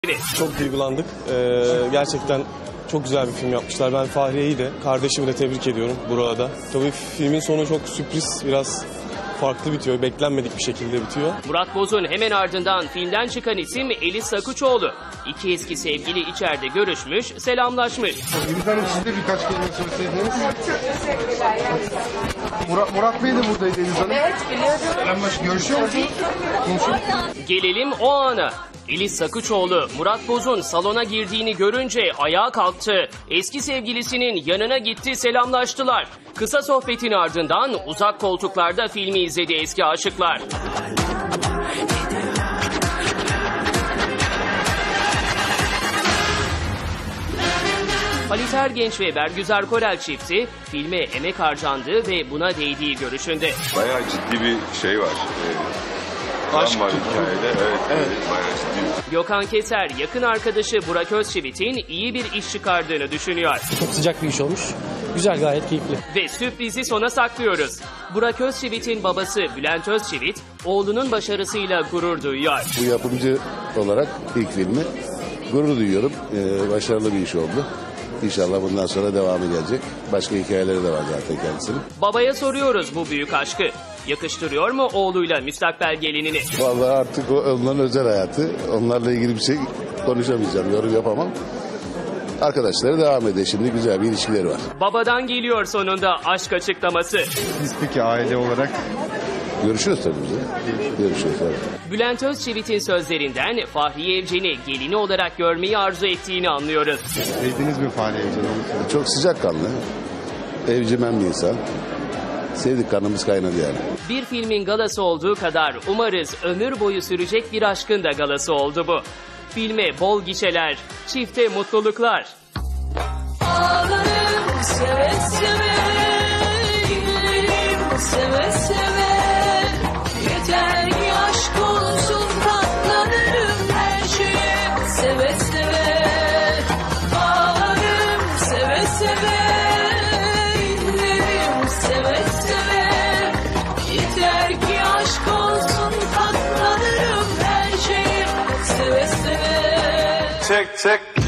Çok duygulandık. Gerçekten çok güzel bir film yapmışlar. Ben Fahriye'yi de, kardeşimi de tebrik ediyorum burada. Tabii filmin sonu çok sürpriz, biraz farklı bitiyor. Beklenmedik bir şekilde bitiyor. Murat Boz'un hemen ardından filmden çıkan isim Elis Sakuçoğlu. İki eski sevgili içeride görüşmüş, selamlaşmış. Gülüz Hanım, siz de birkaç kelime söyleseydiniz. Çok teşekkürler. Murat Bey de buradaydı Gülüz Hanım. Evet, biliyorum. Selamlaş, görüşüyor musunuz? Gelelim o ana. Elis Sakuçoğlu, Murat Boz'un salona girdiğini görünce ayağa kalktı. Eski sevgilisinin yanına gitti, selamlaştılar. Kısa sohbetin ardından uzak koltuklarda filmi izledi eski aşıklar. Halit Ergenç ve Bergüzar Korel çifti filme emek harcandığı ve buna değdiği görüşünde. Bayağı ciddi bir şey var. Aşk var hikayede. Evet. Bayağı ciddi. Gökhan Keser yakın arkadaşı Burak Özçivit'in iyi bir iş çıkardığını düşünüyor. Çok sıcak bir iş olmuş. Güzel, gayet keyifli. Ve sürprizi sona saklıyoruz. Burak Özçivit'in babası Bülent Özçivit, oğlunun başarısıyla gurur duyuyor. Bu yapımcı olarak ilk filmi gurur duyuyorum. Başarılı bir iş oldu. İnşallah bundan sonra devamı gelecek. Başka hikayeleri de var zaten kendisinin. Babaya soruyoruz bu büyük aşkı. Yakıştırıyor mu oğluyla müstakbel gelinini? Vallahi artık onların özel hayatı. Onlarla ilgili bir şey konuşamayacağım, yorum yapamam. Arkadaşları devam ediyor. Şimdi güzel bir ilişkileri var. Babadan geliyor sonunda aşk açıklaması. Biz peki aile olarak? Görüşürüz tabii biz de. Görüşürüz tabii. Bülent Özçivit'in sözlerinden Fahriye Evcen'i gelini olarak görmeyi arzu ettiğini anlıyoruz. Sevdiniz mi Fahriye Evcen'i? Çok sıcakkanlı. Evcimen bir insan. Sevdik, kanımız kaynadı yani. Bir filmin galası olduğu kadar umarız ömür boyu sürecek bir aşkın da galası oldu bu. Filme bol gişeler, çifte mutluluklar. Ağlarım seve seve, güllerim seve seve. Yeter ki aşk olsun, katlanırım her şeye seve seve. Ağlarım seve seve, güllerim seve seve. Yeter ki aşk olsun, katlanırım her şeye seve seve. Çek.